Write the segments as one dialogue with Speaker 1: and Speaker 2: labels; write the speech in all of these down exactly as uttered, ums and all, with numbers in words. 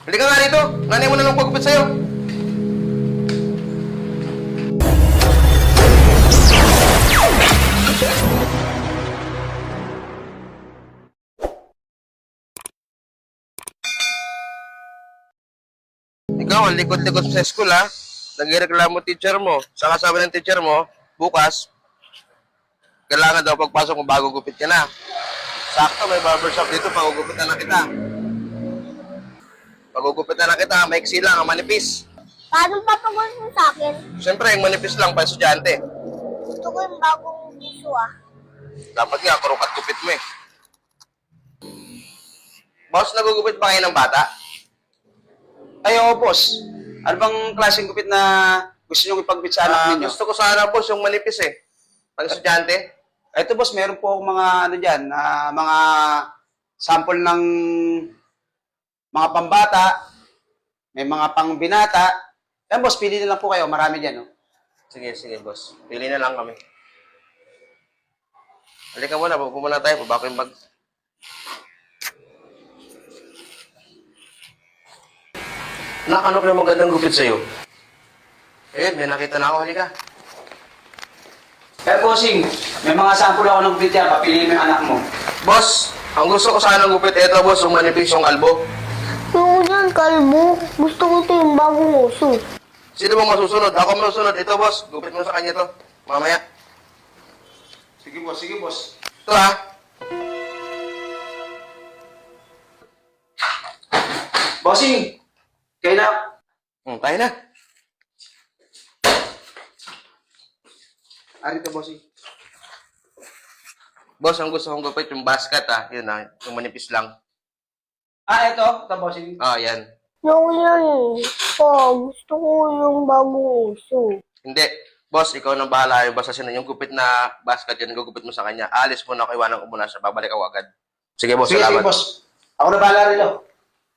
Speaker 1: Hindi ka nga rito. Nanay mo na lang pagupit sa'yo. Ikaw, ang likod-likod sa school, ha? Nagreklamo teacher mo. Saka sabi ng teacher mo, bukas, kailangan daw pagpasok mo bago gupit ka na. Sakto, may barbershop dito, pagugupitan na kita. Pagugupitan na kita, maiksi lang, ang manipis.
Speaker 2: Paano papagod mo sa akin?
Speaker 1: Siyempre, yung manipis lang, pa estudyante.
Speaker 2: Gusto ko yung bagong gusto ah.
Speaker 1: Dapat nga, kurukat gupit mo eh. Boss, nagugupit pa kayo ng bata?
Speaker 3: Ay, oo, boss. Ano bang klaseng gupit na gusto nyo ipagupit sa anak
Speaker 1: Ah,
Speaker 3: ninyo?
Speaker 1: gusto ko sana, boss, yung manipis eh. Pag estudyante.
Speaker 3: Ito, boss, meron po akong mga, ano dyan, ah, mga sample ng mga pambata, may mga pangbinata. Yan, boss, pili na lang po kayo. Marami dyan, no?
Speaker 1: Sige, sige, boss. Pili na lang kami. Halika muna, pupo muna tayo, pabako yung bag. Nak, ano ka magandang gupit sa'yo? Eh, may nakita na ako, halika.
Speaker 3: Kaya, bossing, may mga sample ako ng gupit yan. Papiliin mo yung anak mo.
Speaker 1: Boss, ang gusto ko sana gupit, eto boss, yung manipis yung kalbo.
Speaker 2: Yung yan, kalbo. Gusto ko ito yung bagong uso.
Speaker 1: Sino bang masusunod? Ako masusunod. Ito, boss. Gupit mo sa kanya to. Mamaya.
Speaker 3: Sige, boss. Sige, boss.
Speaker 1: Ito, ha?
Speaker 3: Bossing, kayo na.
Speaker 1: Hmm, tayo na.
Speaker 3: Ari ka, bossing.
Speaker 1: Boss, ang gusto kong gupit yung basket, ha? Yun, ha? Yung manipis lang.
Speaker 3: Ah, ito. Ito, bossing.
Speaker 1: Ah, yan.
Speaker 2: Yung yan eh. Po, gusto ko yung bagong uso.
Speaker 1: Hindi. Boss, ikaw nang bahala. Yung basta sino yung gupit na basket yan, gugupit mo sa kanya. Alis mo na ako, iwanan ko muna siya. Babalik ako agad. Sige, boss.
Speaker 3: Sige, sige,
Speaker 1: Salamat.
Speaker 3: boss. Ako na bahala rin, oh.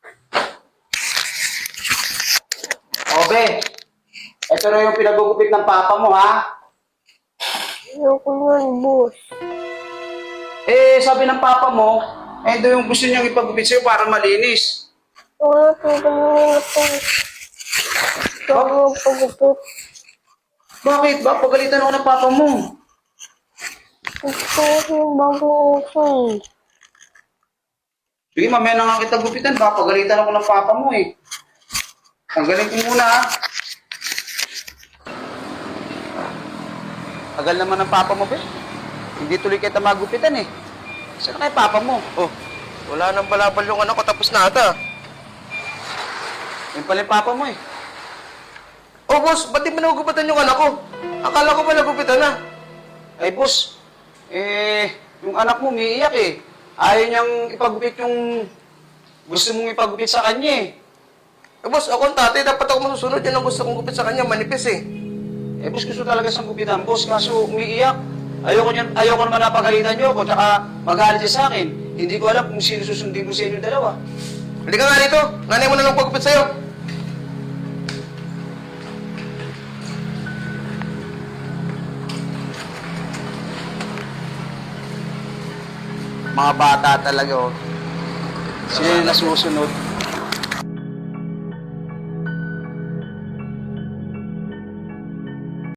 Speaker 3: Obe, ito na yung pinagugupit ng papa mo, ha?
Speaker 2: Ayoko yan, boss.
Speaker 3: Eh, sabi ng papa mo, eh, ito yung gusto niyang ipagupit sa'yo para malinis.
Speaker 2: Wala ko ganyan ito. Bagong pagupit.
Speaker 3: Bakit? Ba, pagalitan ako ng papa mo.
Speaker 2: Gusto ko yung bagong uso eh.
Speaker 3: Sige, mamaya na nga kita gupitan. Ba, pagalitan ako ng papa mo, eh. Tanggalin ko muna, ha? Tagal naman ng papa mo, be. Hindi tuloy kita magupitan, eh. Saan na kay papa mo?
Speaker 1: Oh, wala nang balabal yung anak ko. Tapos na ata.
Speaker 3: Yung pala yung papa mo, eh.
Speaker 1: Oh, boss, ba't di mo nagugupatan yung anak ko? Akala ko ba nagupitan na?
Speaker 3: Ay, boss, eh, yung anak mo umiiyak, eh. Ayaw niyang ipagupit yung gusto mong ipagupit sa kanya, eh.
Speaker 1: Eh, boss, ako ang tatay. Dapat ako masusunod. Yan ang gusto kong gupit sa kanya. Manipis eh.
Speaker 3: Eh, boss, gusto talaga siyang gupitan, boss, kaso umiiyak. Ayoko, niyan, ayoko naman napagalitan niyo ako, tsaka magalit siya sa akin. Hindi ko alam kung sino susundin ko sa inyo dalawa.
Speaker 1: Hindi ka nga rito. Nanay mo na lang pagupit sa'yo.
Speaker 3: Mga bata talaga, oh. Sino yung nasusunod?